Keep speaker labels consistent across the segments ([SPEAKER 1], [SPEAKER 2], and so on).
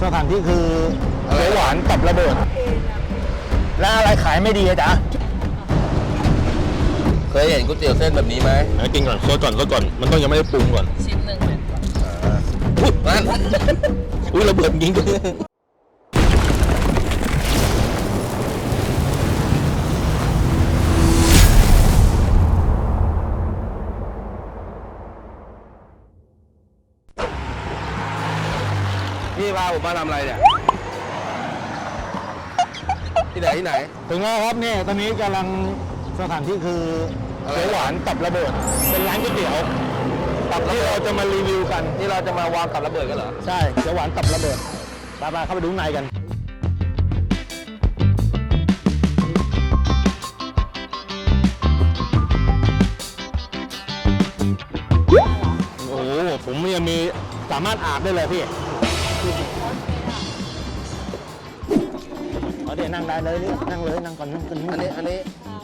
[SPEAKER 1] สถานที่คือเขียวหวานกับระเบิดแล้วอะไรขายไม่ดีอะจ๊ะ
[SPEAKER 2] เคยเห็นก๋วยเตี๋ยวเส้นแบบนี้ไหม
[SPEAKER 1] กินก่อนซดก่อนมันต้องยังไม่ได้ปรุงก่อน
[SPEAKER 3] ชิ้นหนึ่งเลย
[SPEAKER 2] อุ๊ยนั่น
[SPEAKER 1] อุ้ยระเบิดยิงด้วย
[SPEAKER 2] พี่พาผมมาทำอะไรเนี่ยที่ไหน
[SPEAKER 1] ถึงแล้วครับเนี่ยตอนนี้กำลังสถานที่คือเขียวหวานกับระเบิดเป็นร้านก๋วยเตี๋ยวกับที่เราจะมารีวิวกัน
[SPEAKER 2] ที่เราจะมาวางกับระเบิดกันเหรอ
[SPEAKER 1] ใช่เขียวหวานกับระเบิดไปเข้าไปดูข้างในกันโอ้โหผมยังมีสามารถอาบได้เลยพี่เดี๋ยวนั่งได้เลยนั่งเลยนั่งก่อนนั่งกัน
[SPEAKER 2] อันนี้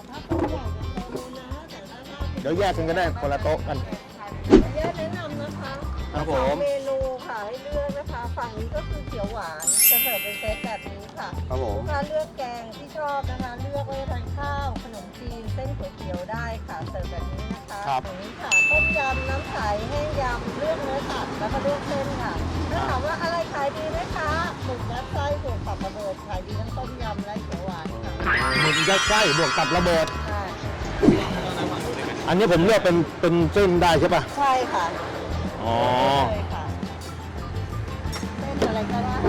[SPEAKER 1] เดี๋ยวแยกกันก็ได้คนละโต๊ะกัน
[SPEAKER 4] แยกแนะนำนะคะ
[SPEAKER 2] ครับผม
[SPEAKER 4] เมนูค่ะให้เลือกนะคะฝั่งนี้ก็คือเขียวหวานจะเสิร์ฟเป็นเซตแบบนี้ค่ะ
[SPEAKER 2] ครับผม
[SPEAKER 4] ลูกค้าเลือกแกงที่ชอบนะคะเลือกไว้ทานข้าวขนมจีนเส้นก๋วยเตี๋ยวได้ค่ะเสิร์ฟแบบนี้นะคะฝั่งนี้ค่ะต้มยำน้ำใสแห้งยำเลือกเนื้อสัตว์แล้วก็เลือกเส้นค่ะถ้าถามว่าอะไรขายดีไหมคะหมึกยัดไส้บวกกับระเบิดขายดีทั้งต้มยำและเขียวหวานค่ะ
[SPEAKER 1] หมึกยัดไส้บวกกับระเบิด
[SPEAKER 4] ใช่
[SPEAKER 1] อันนี้ผมเลือกเป็นเส้นได้ใช่ปะ
[SPEAKER 4] ใช่ค่ะ
[SPEAKER 1] อ๋อ
[SPEAKER 4] ใช่ค่ะเส้นอะไรก็ได้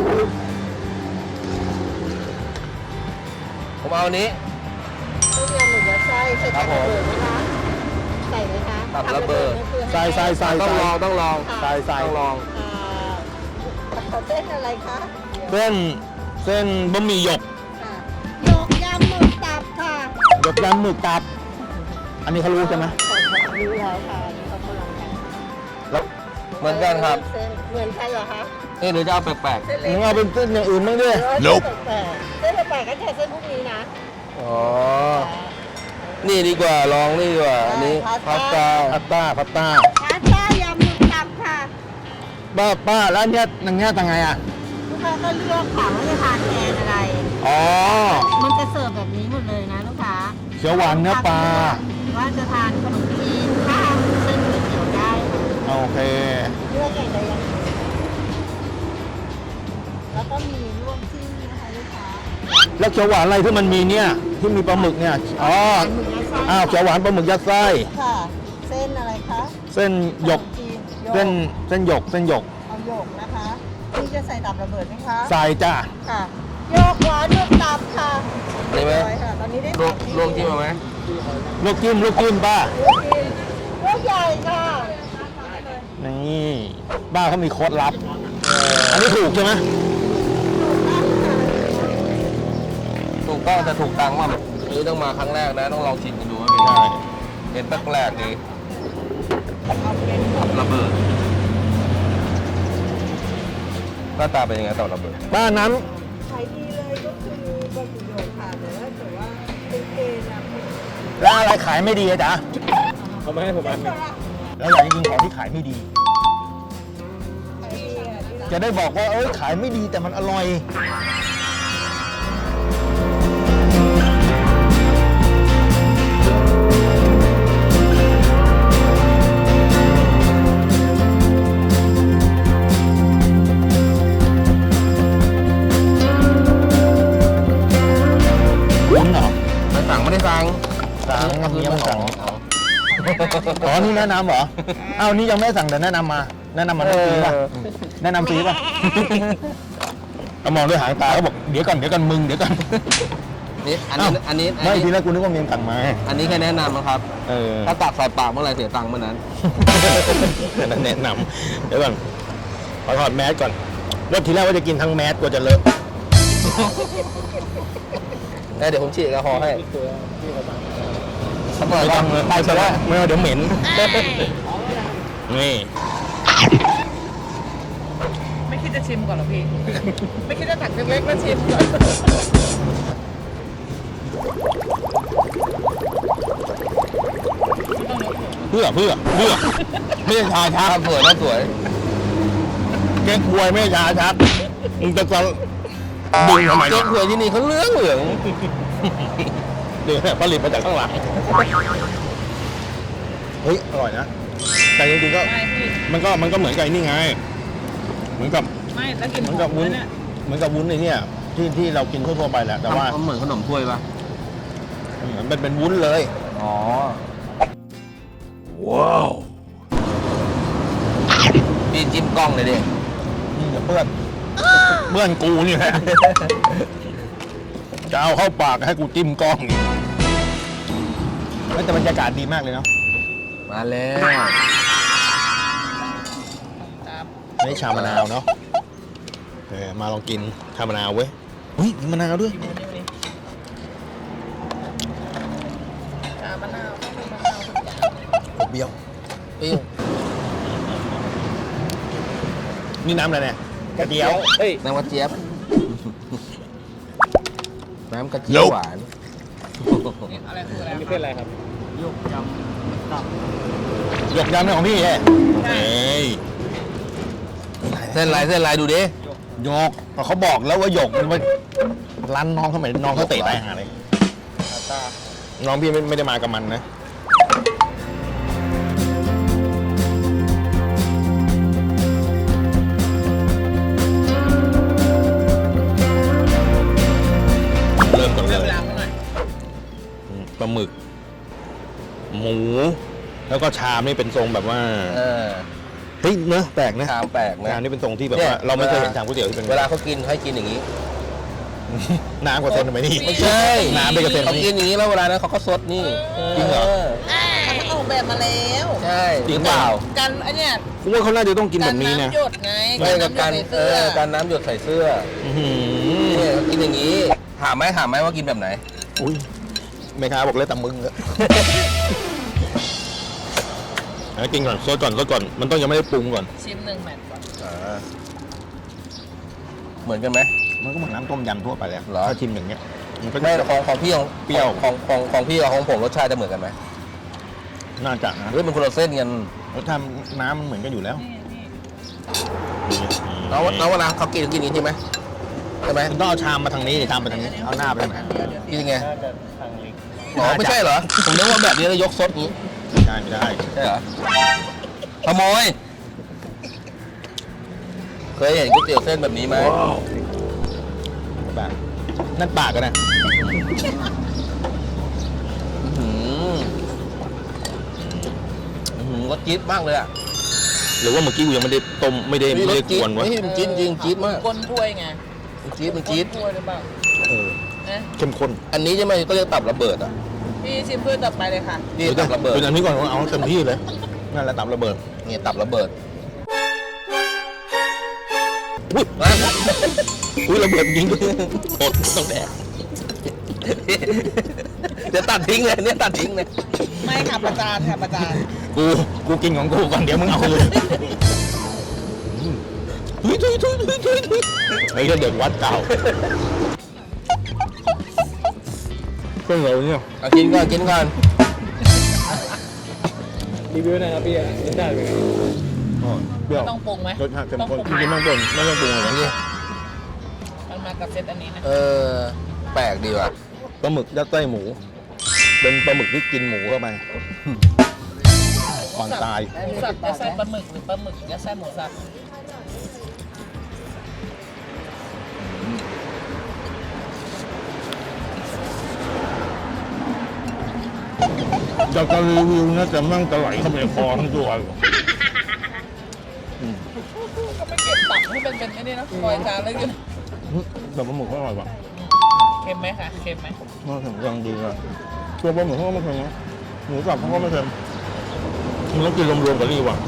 [SPEAKER 2] ผมเอาอันนี้
[SPEAKER 4] ต้มยำหมึกยัดไส้ใส่กับระเบิดนะคะใส่ไหมคะ
[SPEAKER 2] กับระเบิด
[SPEAKER 1] ใส่
[SPEAKER 2] ต้องลอง
[SPEAKER 1] ต้องลอง
[SPEAKER 4] เส้นอะไรคะ
[SPEAKER 1] เส้นบะหมี่หยก
[SPEAKER 4] หยกยำหมึกตับค่ะ
[SPEAKER 1] หยกยำหมึกตับอันนี้เขารู้ใช่ไหม
[SPEAKER 4] รู้แล้วค่ะเขากำลังกัน
[SPEAKER 2] แล้วเหมือนกันครับ
[SPEAKER 4] เหมือนกันเหรอคะ
[SPEAKER 2] นี่หรือจะเอาแปลก
[SPEAKER 1] ๆมึงเอาเป็นเส้นอย่างอื่นบ้างด้วย
[SPEAKER 4] เส้นแปลกก็แค่เส้นพวกนี้นะ
[SPEAKER 2] อ๋อนี่ดีกว่าลองนี่ดีกว่าอันนี้พาสต้
[SPEAKER 4] ายำหมึกตับค่ะ
[SPEAKER 1] ป้าแล้วเนี่ยอย่างเงี้ยต่างไงอ่ะ
[SPEAKER 4] ลูกค้าก็เลือกค่ะว่าจะทานแทนอะไร
[SPEAKER 1] อ๋อ
[SPEAKER 4] มันจะเสิร์ฟแบบนี้หมดเลยนะลูกค้า
[SPEAKER 1] เขียวหวานเนื้อปลา
[SPEAKER 4] ว่าจะทานขนมจีนข้าวเส้นก๋วยเตี๋ยวได้
[SPEAKER 1] โอเค
[SPEAKER 4] เลือกอย่างใดอย่างหนึ่งแล้วก็มีรวมจิ้มนะคะลูกค้า
[SPEAKER 1] แล้วเขียวหวานอะไรที่มันมีเนี่ยที่มีปลาหมึกเนี่ยอ๋อเขียวหวานปลาหมึกยัดไส้
[SPEAKER 4] ค่ะเส้นอะไรคะ
[SPEAKER 1] เส้นหยกเส้นหยก
[SPEAKER 4] เอาหยกนะคะนี่จะใส่ตับระเบิดไหมคะ
[SPEAKER 1] ใส่จ้ะ
[SPEAKER 4] ค่ะหยกหวานหยกตับค่ะ
[SPEAKER 2] ได้ไหม
[SPEAKER 4] ตอนนี้ได้
[SPEAKER 2] ลวกจิ้มไหม
[SPEAKER 1] ลูกจิ้มป้า
[SPEAKER 4] ลูกใหญ่ค่ะ
[SPEAKER 1] นี่ป้าเขามีโค้ดลับอันนี้ถูกใช่ไหม
[SPEAKER 2] ถูกต้องแต่ถูกตังค์ว่านี่ต้องมาครั้งแรกนะต้องลองชิมกันดูว่าเป็นไงเป็นแปลกๆดีระเบิดหน้าตาเป็นยังไงต่อระเบิด
[SPEAKER 1] ป้าน้
[SPEAKER 4] ำขายดีเลยก็คือบะหมี่หยกค่ะหรือว่าแต่ว่าเป็นเกณฑ์นะ
[SPEAKER 1] แล้วอะไรขายไม่ดีอะจ๊ะเขาไม่ให้ผมอันนึงแล้วอย่างจริงของที่ขายไม่ดีจะได้บอกว่าขายไม่ดีแต่มันอร่อย
[SPEAKER 2] ไม่ได้สั่ง
[SPEAKER 1] ยังไม่สั่งอ๋อนี่แนะนำเหรออ้าวนี่ยังไม่สั่งแต่แนะนำมาฟรีป่ะแนะนำฟรีป่ะมองด้วยหางตาเขาบอกเดี๋ยวก่อนมึงเดี๋ยวก่อน
[SPEAKER 2] นี่อันนี้
[SPEAKER 1] ไม่ทีแรกกูนึกว่าเมียงสั่งมา
[SPEAKER 2] อันนี้แค่แนะนำนะครับถ้าตักใส่ปากเมื่อไรเสียตังค์เมื่อนั้น
[SPEAKER 1] แนะนำเดี๋ยวก่อนขอถอดแมสก่อนว่าทีแรกว่าจะกินทั้งแมสกว่าจะเลอะ
[SPEAKER 2] เดี๋ยวผมฉีดแอลกอฮอล์ให้
[SPEAKER 1] ไม่ต้องไปซะแล้วไม่เอาเดี๋ยวเหม็นนี่
[SPEAKER 3] ไม่คิดจะชิมก่อนหรอพี่ไม่คิดจะตักเล็กๆมาชิมก่อน
[SPEAKER 1] เพื่อไม่ใช่ชาชัก
[SPEAKER 2] สวยนะสวย
[SPEAKER 1] แกงควยไม่ใช่ชาชักมึงจะดึงทำไม
[SPEAKER 2] เก๊กหวยที่นี่เขาเหลืองเหลือง
[SPEAKER 1] เดี๋ยวผลิตมาจากข้างหลังเฮ้ยอร่อยนะแต่จริงๆก็
[SPEAKER 3] ไม่พี่
[SPEAKER 1] มันก็เหมือนกับไอ้นี่ไงเหมือนกับ
[SPEAKER 3] ไม่แล้วกิน
[SPEAKER 1] เหมือน
[SPEAKER 3] ห
[SPEAKER 1] กั
[SPEAKER 3] อบ ม
[SPEAKER 1] วุ้น
[SPEAKER 3] ด้วยเนี่ย
[SPEAKER 1] เหมือนกับวุ้นไอ้เนี่ยที่เรากินทั่วๆไปแหละแต่ว่า
[SPEAKER 2] เหมือนขนมถ้วยปะ
[SPEAKER 1] มันเป็นวุ้นเลย
[SPEAKER 2] อ๋อ
[SPEAKER 1] ว้าว
[SPEAKER 2] พี่จิ้มกล้องเลยดิ
[SPEAKER 1] นี่เพื่อนเพื่อนกูนี่แหละจะเอาเข้าปากให้กูจิ้มกล้องอีกแต่บรรยากาศดีมากเลยเนาะ
[SPEAKER 2] มาแล้ว
[SPEAKER 3] ครับ
[SPEAKER 1] นี่ชามะนาวเนาะมาลองกินชามะนาวเว้ยอุ้ยมีมะนาวด้วย
[SPEAKER 3] ชามะนาวต้องเป็นมะนาวทุกอย่าง
[SPEAKER 1] ผมเบี้ยว
[SPEAKER 2] ปิ้ว
[SPEAKER 1] นี่น้ำอะไรเนี่ยกระเดียว
[SPEAKER 2] น้ำกระเจี๊ยบน้ำกระเจี๊ยบหวาน
[SPEAKER 3] นี่อะไรคืออะไร
[SPEAKER 5] นี่เป็นอะไรครับ
[SPEAKER 1] หยกยำเนี่ยของพี่เฮ้ย
[SPEAKER 2] เส้นลายดูดิ
[SPEAKER 1] หยกเขาบอกแล้วว่าหยกมันร้านน้องเขาเหมือนน้องเขาเตะตายหาเลยน้องพี่ไม่ได้มากับมันนะเริ่มก่อนเล
[SPEAKER 3] เริ่มล้างหน่อย
[SPEAKER 1] ปลาหมึก หมู แล้วก็ชามนี่เป็นทรงแบบว่า เฮ้ยเนอะแปลกนะ
[SPEAKER 2] ชามแปลกนะ
[SPEAKER 1] ชามนี่เป็นทรงที่แบบ
[SPEAKER 2] เนี่
[SPEAKER 1] ว่าย เราไม่เคยเห็นชามก๋วยเตี๋ยวที่เป็น
[SPEAKER 2] เวลาเขากินให้กินอย่างนี้
[SPEAKER 1] น้ำกว่าเส้นทำไมนี่
[SPEAKER 2] ไม่ใช่
[SPEAKER 1] น้ำไปกับเส้น
[SPEAKER 2] เขา
[SPEAKER 1] นี่
[SPEAKER 2] กินอย่างนี้แล้วเวลานั้นเขาก็ซดนี่
[SPEAKER 1] จริงเหรอ
[SPEAKER 3] มันออกแบบมาแล้ว
[SPEAKER 2] ใช่
[SPEAKER 1] จริง
[SPEAKER 2] เปล่า
[SPEAKER 3] กันไอเนี่ย
[SPEAKER 1] กูว่าเขาน่าจะต้องกินแบบนี้นะ
[SPEAKER 3] ำหยดไง
[SPEAKER 2] ไม่กับ
[SPEAKER 3] กั
[SPEAKER 2] กาน ร
[SPEAKER 3] น้ำหยดในเสื้อ
[SPEAKER 2] การน้ำหยดใส่เสื้อ
[SPEAKER 1] อื้อหือ
[SPEAKER 2] นี่เขากินอย่างนี้ถามไหมว่ากินแบบไหน
[SPEAKER 1] อุ้ยแม่ค้าบอกเลยแต่มึงอะเอากินก่อนซดก่อนมันต้องยังไม่ได้ปรุงก่อน
[SPEAKER 3] ชิมหนึ่งแมตช์ก่อน
[SPEAKER 2] เหมือนกันไหม
[SPEAKER 1] มันก็เหมือนน้ำต้มยำทั่วไปแหละ
[SPEAKER 2] เหรอ
[SPEAKER 1] ถ้าชิมอย่างเงี้ยมันก็
[SPEAKER 2] ไม่ของพี่ของ
[SPEAKER 1] เปรี้ยว
[SPEAKER 2] ของพี่กับของผมรสชาติจะเหมือนกันไหม
[SPEAKER 1] น่าจะนะ
[SPEAKER 2] หรือเป็นคนละเส้นกัน
[SPEAKER 1] รสชาติน้ำมันเหมือนกันอยู่แล้ว
[SPEAKER 2] น้องเวลาเขากินอย่างนี้ใช่ไหมใช่ไหม
[SPEAKER 1] ต้องเอาชามมาทางนี้ชามไปทางนี้เอาหน้าไปทางไหน
[SPEAKER 2] กินยังไง
[SPEAKER 5] น่าจะทางเล็ก
[SPEAKER 2] อ๋อไม่ใช่เหรอผมนึกว่าแบบนี้แล้วยกซดนี้
[SPEAKER 1] ไม่ได้
[SPEAKER 2] ใช่เหรอขโมยเคยเห็นก๋วยเตี๋ยวเส้นแบบนี้ไหม
[SPEAKER 1] แบบนั่นปากกันนะ
[SPEAKER 2] รสจี๊ดมากเลยอ่ะ
[SPEAKER 1] หรือว่าเมื่อกี้กูยังไม่ได้ต้มไม่ได้
[SPEAKER 2] ร
[SPEAKER 1] ก
[SPEAKER 2] สจี๊
[SPEAKER 1] ว
[SPEAKER 2] ด
[SPEAKER 1] นวะ
[SPEAKER 2] ไม่มันจี๊ดจริงจี๊ดมาก
[SPEAKER 3] ก้นถ้วยไง
[SPEAKER 2] มันจี๊ด
[SPEAKER 3] ก้นถ้วยหรือเปล่า
[SPEAKER 1] เออ
[SPEAKER 3] นะ
[SPEAKER 1] เข้มข้น
[SPEAKER 2] อันนี้ใช่ไหมก็เรียกตับระเบิดอ่ะ
[SPEAKER 3] พี่ชิมเพื่อต่อไปเลยค่ะ
[SPEAKER 2] นี่ตับระเบิด
[SPEAKER 1] เป็นอันนี้ก่อนเอาเต็มที่เลยนั่นแหละตับระเบิด
[SPEAKER 2] นี่ตับระเบิด
[SPEAKER 1] อุ้ยอุ้ยระเบิดยิงอดต้องแดก
[SPEAKER 2] เดี๋ยวตัดทิ้งเลยเนี่ยตัดทิ้งเลย
[SPEAKER 3] ไม่ค่ะประจานค่ะประจาน
[SPEAKER 1] กูกินของกูก่อนเดี๋ยวมึงเอาเลยเฮ้ยไอ้เด็กวัดเก่าเพื่อนเราเนี่ย
[SPEAKER 2] เอากินก่อนกินก่อน
[SPEAKER 5] รีวิวหน่อยครับพี่รสชาติเป็นไง
[SPEAKER 1] เปรี้ยว
[SPEAKER 3] ต้องปรุงไหม
[SPEAKER 1] รสชาติเข้มข้น
[SPEAKER 3] ต้องป
[SPEAKER 1] จ
[SPEAKER 3] รุง
[SPEAKER 1] ริงๆไม่ต้องปรุงไม่ต้องปรุงอะไร
[SPEAKER 2] นี่
[SPEAKER 1] นะ
[SPEAKER 3] มันมากับเซตอันนี้นะ
[SPEAKER 2] แปลกดีว่ะ
[SPEAKER 1] ปลาหมึกยัดไส้หมู เป็นปลาหมึกที่กินหมูเข้าไปก่อนตาย
[SPEAKER 3] หมูสับยัดไส้ปลาหมึกหรือปลาหมึกยัดไส้หมูสับ
[SPEAKER 1] จากการรีวิวนะแต่มั่งจะไหลเข้าไปในคอทั้งตัวเลย
[SPEAKER 3] ก็ไม่เก็บตับให้เป็นไอ้นี่นะคอยจานแล้วกิน
[SPEAKER 1] แต่ปลาหมึกก็อร่อยว่ะ
[SPEAKER 3] เค็มไหมคะเค็มไหม
[SPEAKER 1] น่าถึงกำลังดีอ่ะตัวปลาหมึกเขาก็ไม่เค็มนะหมูสับเขาก็ไม่เค็มมันต้องกินรวมๆกับนี่ว่ะ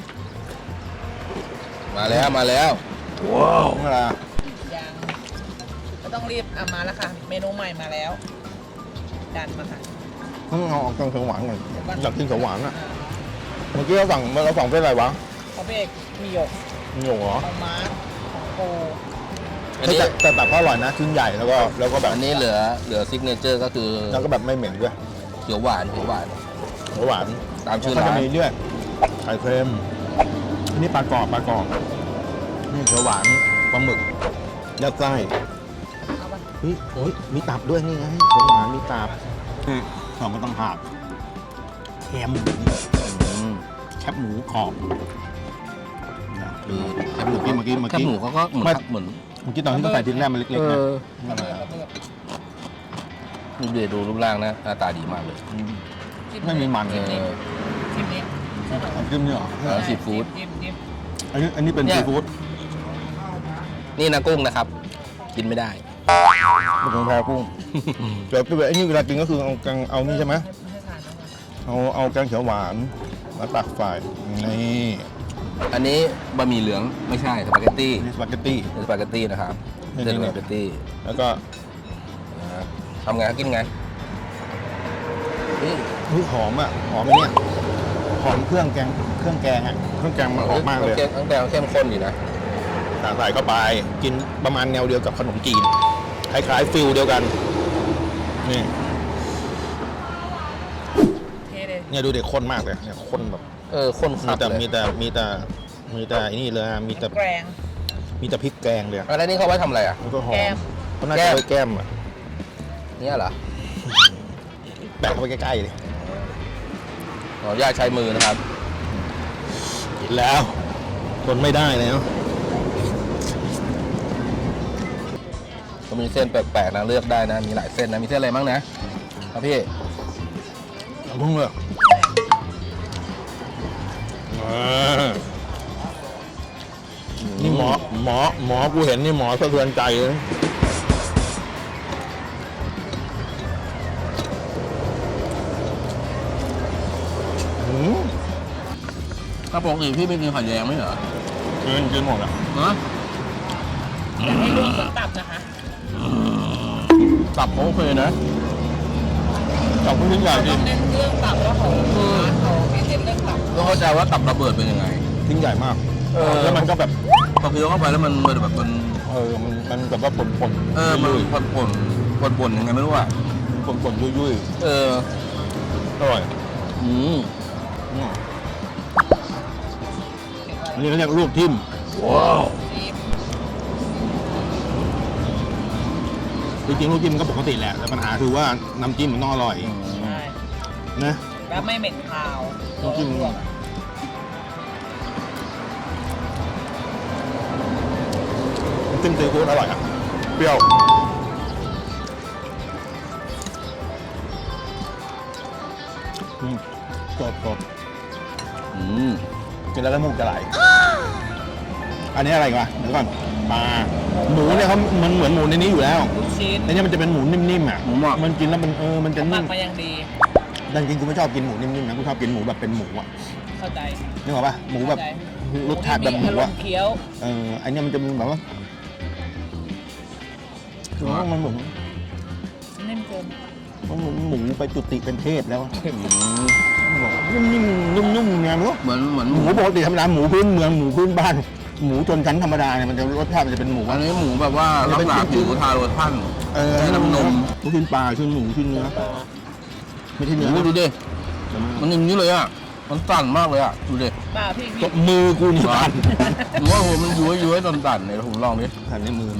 [SPEAKER 2] มาแล้วมาแล้ว
[SPEAKER 1] ว้าวนี่แหละ
[SPEAKER 3] ยังก็ต้องรีบมาแล้วค่ะ เมนูใหม่มาแล้วดันมาค่ะ
[SPEAKER 1] ต้องเอาออกเขียวหวานก่อนอยากกินเขียวหวานอ่ะเมื่อกี้เราสั่งเป็นอะไรวะ
[SPEAKER 3] เขาเบกมีหยก
[SPEAKER 1] มีหยกเหรอ
[SPEAKER 3] ของม้าของโก
[SPEAKER 2] อันนี้
[SPEAKER 1] แต่แบบเขาอร่อยนะชิ้นใหญ่แล้วก็แบบ
[SPEAKER 2] อันนี้เหลือซิกเนเจอร์ก็คือ
[SPEAKER 1] แล้วก็แบบไม่เหม็นด้วย
[SPEAKER 2] เขียวหวาน
[SPEAKER 1] หวาน
[SPEAKER 2] ตามชื่อ
[SPEAKER 1] แล้วก็
[SPEAKER 2] ร้า
[SPEAKER 1] จะ
[SPEAKER 2] น
[SPEAKER 1] มีด้วยไข่เค็มนี่ปลากรอบนี่เขียวหวานปลาหมึกยัดไส้
[SPEAKER 3] เอาปะ
[SPEAKER 1] เฮ้ยมีตับด้วยนี่ไงเขียวหวานมีตับขอบมันต้องหากแคบหมูแคบหมูขอบแคบหมูเมื่อกี้
[SPEAKER 2] แคบหมูเขาก็เหมือน
[SPEAKER 1] เมื่อกี้ตอนที่เขาใส่พริกแรกมันเล็กๆนะนั่นแหละ
[SPEAKER 2] ดูรูปร่างนะหน้าตาดีมากเลย
[SPEAKER 1] ไม่มีมัน
[SPEAKER 3] จิ้มนี้จิ้มนี้
[SPEAKER 1] จิ้มเนี่ยเหรอ
[SPEAKER 2] ซีฟู้ด
[SPEAKER 3] จิ้ม
[SPEAKER 1] อันนี้เป็น
[SPEAKER 2] เนี่ย
[SPEAKER 1] ซีฟู้ด
[SPEAKER 2] นี่นะกุ้งนะครับ กินไม่ได้
[SPEAKER 1] เป็นของแพรกุ้งแต่ไอ้นี่เวลากินก็คือเอานี่ใช่ไหม
[SPEAKER 3] ให้ทานนะ
[SPEAKER 1] เอาแกงเขียวหวานมาตักใส่นี่
[SPEAKER 2] อันนี้บะหมี่เหลืองไม่ใช่สปาเกตตี้
[SPEAKER 1] นี่สปาเกตตี้
[SPEAKER 2] เป็นสปาเกตตี้นะครับ
[SPEAKER 1] นี่
[SPEAKER 2] เป็นสปาเกตตี้
[SPEAKER 1] แล้วก็
[SPEAKER 2] ทำไงกินไงนี่
[SPEAKER 1] หอมอ่ะหอมไอ้เนี่ยหอมเครื่องแกงอ่ะเครื่องแกงมันออกมากเลย
[SPEAKER 2] ตั้งแต่เข้มข้นอยู่นะ
[SPEAKER 1] ใส่เข้าไปกินประมาณแนวเดียวกับขนมจีนคล้ายๆฟิลเดียวกันนี่
[SPEAKER 3] เทเลย
[SPEAKER 1] เนี่ยดูเด็กข้นมากเลยเนี่ยข้นแบบ
[SPEAKER 2] ข้นคั
[SPEAKER 1] มี
[SPEAKER 2] ก
[SPEAKER 1] แต่
[SPEAKER 2] เลย
[SPEAKER 1] มีแต่ไอ้นี่เลยอะมีแต่
[SPEAKER 3] แกรง
[SPEAKER 1] มีแต่พริกแกงเลยอะ
[SPEAKER 2] อะไรนี่เขาไว้ทำอะไรอ่ะ
[SPEAKER 1] แล้วก็หอ
[SPEAKER 3] แก้
[SPEAKER 1] ม
[SPEAKER 3] ม
[SPEAKER 1] ก็น่าจะไว้แก้มอ่ะ
[SPEAKER 2] เนี่ยเหรอ
[SPEAKER 1] แปะเข้าไปใกล้ๆเลย
[SPEAKER 2] ขออนุญาตใช้มือนะครับ
[SPEAKER 1] กินแล้วทนไม่ได้แล้ว
[SPEAKER 2] ก็มีเส้นแปลกๆนะเลือกได้นะ มีหลายเส้นนะ มีเส้นอะไรบ้างนะครับพี่
[SPEAKER 1] เอาพุ่งเลยนี่หมอกูเห็นนี่หมอสะเทือนใจเลย
[SPEAKER 2] ถ้าปกติพี่ไม่กินไข่แดงไหมเหรอ
[SPEAKER 1] กินหมดอ่ะ
[SPEAKER 2] ฮะ
[SPEAKER 3] อยากให้ลวกกับตับนะคะ
[SPEAKER 2] ตับเขาโอเคนะ
[SPEAKER 1] จับผู้ชิ้นใหญ่
[SPEAKER 3] เรา
[SPEAKER 1] ดิ
[SPEAKER 3] ต้องเน้นเรื่องตับแล้วของร้านเขาเน้นเรื่องตับ
[SPEAKER 2] ต้องเข้าใจว่าตับระเบิดเป็นยังไง
[SPEAKER 1] ชิ้นใหญ่มาก
[SPEAKER 2] แล้ว
[SPEAKER 1] มันก็แบบ
[SPEAKER 2] พอเคี้ยวเข้าไปแล้วมันแบบมัน
[SPEAKER 1] มันแบบว่าป่นๆ
[SPEAKER 2] มัน
[SPEAKER 1] ยุ่ย
[SPEAKER 2] ป่นยังไงไม่รู้อ่ะ
[SPEAKER 1] ๆป่นๆยุ่ย
[SPEAKER 2] เออ
[SPEAKER 1] ๆอร่อย
[SPEAKER 2] อืม
[SPEAKER 1] อันนี้เขาเรียกลวกทิ่ม
[SPEAKER 3] จิ้ม
[SPEAKER 1] จริงๆลวกจิ้มก็ปกติแหละแต่ปัญหาคือว่าน้ำจิ้มมันต้องอร่อย
[SPEAKER 3] ใช่
[SPEAKER 1] นะ
[SPEAKER 3] แล้วไม่เหม็นคาว
[SPEAKER 1] ต้องจิ้ม
[SPEAKER 3] ลวกอะ
[SPEAKER 1] จิ้มซีฟู้ดอร่อยอ่ะเปรี้ยวสด
[SPEAKER 2] อืม
[SPEAKER 1] กินแล้วก็มูกจะไหล อันนี้อะไรกันวะเดี๋ยวก่อนปลาหมูเนี่ยเขามันเหมือนหมูในนี้อยู่แล้ว
[SPEAKER 3] ลูกชิ้น
[SPEAKER 1] แต่เนี่ยมันจะเป็นหมูนิ่มๆอ่ะ
[SPEAKER 2] หมูหมัก
[SPEAKER 1] มันกินแล้วมันจะ
[SPEAKER 3] หมั
[SPEAKER 1] นิ่
[SPEAKER 3] ก
[SPEAKER 1] ม
[SPEAKER 3] มาอย่างดี
[SPEAKER 1] แต่จริงๆกูไม่ชอบกินหมูนิ่มๆนะกูชอบกินหมูแบบเป็นหมูอ่ะ
[SPEAKER 3] เข้าใจ
[SPEAKER 1] นึกออกปะหมูแบบรสชาติแบบหมู
[SPEAKER 3] อารม
[SPEAKER 1] อ่ะ
[SPEAKER 3] ณ์เคี้ยว
[SPEAKER 1] อันเนี้ยมันจะแบบว่าคือว่ามันเหมือน
[SPEAKER 3] นิ่มเกิน
[SPEAKER 1] หมูไปจุติเป็นเทพแล้วอะ
[SPEAKER 2] อืม
[SPEAKER 1] นิ่มๆนุ่มๆเนี่ยมั้ง
[SPEAKER 2] เหมือน
[SPEAKER 1] หมูปกติธรรมดาหมูพื้นเมืองหมูพื้นบ้าน หมูชนชั้นธรรมดาเนี่ยมันจะรสชาติมันจะเป็นหมู
[SPEAKER 2] อั
[SPEAKER 1] อะ
[SPEAKER 2] นนี้หมูแบบว่าลักษณะหมูทาโรชั่น ใช้น้ำนม
[SPEAKER 1] ลูกชิ้นปลาชิ้นหมูชิ้นเนื้อไม่ใช่เนื้อ
[SPEAKER 2] ดูดิ มันอย่างนี้เลยอ่ะ มันสั่นมากเลยอ่ะ ดูดิ
[SPEAKER 3] เปล่าพี่
[SPEAKER 1] ก็มือกูนี่พัน
[SPEAKER 2] หรือว่าผมมันย้วยๆสั่นๆเนี่ยผมลองดิ
[SPEAKER 1] พันในมือ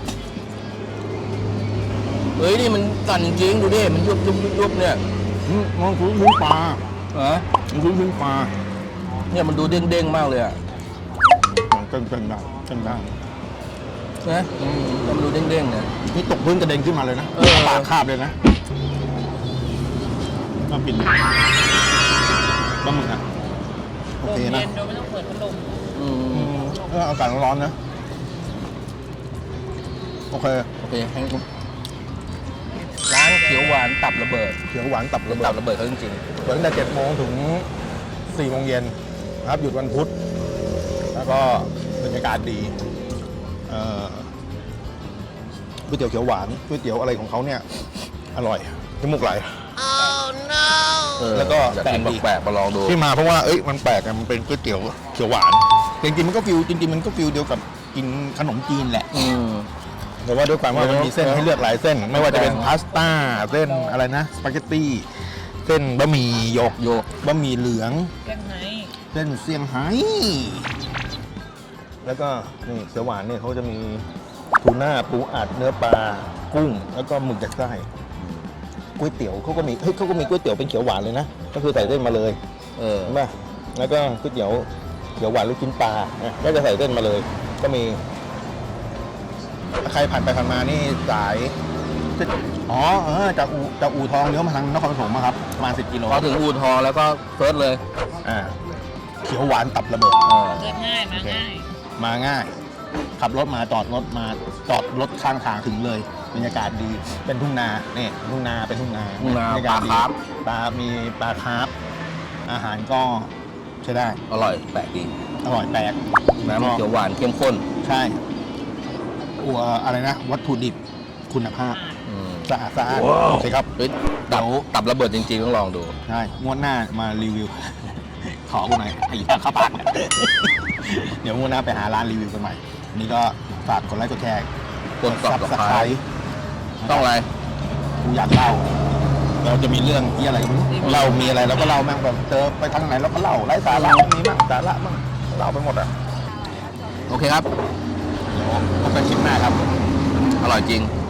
[SPEAKER 2] เฮ้ยนี่มันสั่นจริงๆดูดิ มันยุบๆเนี่ย
[SPEAKER 1] มองคือชิ้นปลา
[SPEAKER 2] ฮะ
[SPEAKER 1] มันคือชิ้นปลา
[SPEAKER 2] เนี่ยมันดูเด้งๆมากเลยอ่ะ
[SPEAKER 1] เป็นได้
[SPEAKER 2] นะแต่มันดูเด้งๆเนี่ย
[SPEAKER 1] นี่ตกพื้นกระเด็นขึ้นมาเลยนะ
[SPEAKER 2] เออ
[SPEAKER 1] ปากคาบเลยนะน่ากินปลาหมึกอ่ะโอ
[SPEAKER 3] ลม
[SPEAKER 1] เค
[SPEAKER 3] เย็
[SPEAKER 1] นะ
[SPEAKER 3] นโดยไม่ต้องเปิดพัดลม
[SPEAKER 2] อืม
[SPEAKER 1] อากาศร้อนๆนะโอเค
[SPEAKER 2] โอเคให้ร้านเขียวหวานตับระเบิด
[SPEAKER 1] เขียวหวานตับ
[SPEAKER 2] เป็
[SPEAKER 1] ระ
[SPEAKER 2] น
[SPEAKER 1] เบิ
[SPEAKER 2] ตั
[SPEAKER 1] ด
[SPEAKER 2] บระเบิดเขาจริง
[SPEAKER 1] เปิดตั้งแต่7 โมงถึง 4 โมงเย็นนะครับหยุดวันพุธแล้วก็บรรยากาศดีก๋วยเตี๋ยวเขียวหวานก๋วยเตี๋ยวอะไรของเขาเนี่ยอร่อยที่มุกไหล
[SPEAKER 2] ๆ
[SPEAKER 1] แล้วก็
[SPEAKER 2] อยา
[SPEAKER 1] แปลก
[SPEAKER 2] กิน
[SPEAKER 1] ดี
[SPEAKER 2] แปลกๆมาลองดู
[SPEAKER 1] ที่มาเพราะว่ามันแปลกอะมันเป็นก๋วยเตี๋ยวเขียวหวานจริงๆมันก็ฟิลเดียวกับกินขนมจีนแหละ
[SPEAKER 2] อืม
[SPEAKER 1] แต่ว่าด้วยความว่ามันมีเส้นให้เลือกหลายเส้น ไม่ว่าจะเป็นพาสต้าเส้นอะไรนะสปาเกตตี้เส้นบะหมี่หยก
[SPEAKER 2] โยก
[SPEAKER 1] บะหมี่เหลือง
[SPEAKER 3] แกงไฮ
[SPEAKER 1] เส้นเซี่ยงไฮ้แล้วก็นี่เขียวหวานเนี่ยเขาจะมีทูน่าปูอัดเนื้อปลากุ้ง แล้วก็หมึกจากไส้ก๋วยเตี๋ยวเขาก็มีเขาก็มีก๋วยเตี๋ยวเป็นเขียวหวานเลยนะก็คือใส่เส้นมาเลยเห็นป่ะแล้วก็ก๋วยเตี๋ยวเขียวหวานลูกชิ้นปลานะก็จะใส่เส้นมาเลย ก็มีถ้าใครผ่านไปผ่านมานี่สายจากอู่ทองเลี้ยวมาทางนครปฐมครับประมาณ10 กิโล
[SPEAKER 2] พอถึงอู่ทองแล้วก็เฟิร์สเลย
[SPEAKER 1] เขียวหวานตับระเบิด
[SPEAKER 3] เกิดง่ายมาง่าย
[SPEAKER 1] มาง่าย ขับรถมาจอดรถข้างทางถึงเลยบรรยากาศดีเป็นทุ่งนาเนี่ยทุ่งนาเป็นทุ่งนา
[SPEAKER 2] ทุ่งนา
[SPEAKER 1] บรรยกศดี
[SPEAKER 2] ปลาคาร์ฟ
[SPEAKER 1] มีปลาคาร์ฟอาหารก็ใช้ได้
[SPEAKER 2] อร่อยแปลกดี
[SPEAKER 1] อร่อยแปลก
[SPEAKER 2] น้ำเขียวหวานเข้มข้น
[SPEAKER 1] ใช่อะไรนะ วัตถุดิบคุณภาพสะอาดโอเคครับ
[SPEAKER 2] เฮ้ยตับระเบิดจริงๆต้องลองดู
[SPEAKER 1] ใช่งวดหน้ามารีวิว ขอกูหน่อยไอ้ข้าวปาก เดี๋ยวงวดหน้าไปหาร้านรีวิวกันใหม่นี่ก็ฝากกดไลค์กดแชร์
[SPEAKER 2] กด Subscribe ต้องอะไร
[SPEAKER 1] กูอยากเล่า เราจะมีเรื่องที่อะไรก็ไม่รู้เรามีอะไรเราก็เล่าแม่งแบบเจอไปทางไหนเราก็เล่าไร้สาระมีมั่งสาระมั่งเล่าไปหมดอ่ะ
[SPEAKER 2] โอเคครับ
[SPEAKER 1] เดี๋ยวพบกันคลิปหน้าครับ
[SPEAKER 2] อร่อยจริง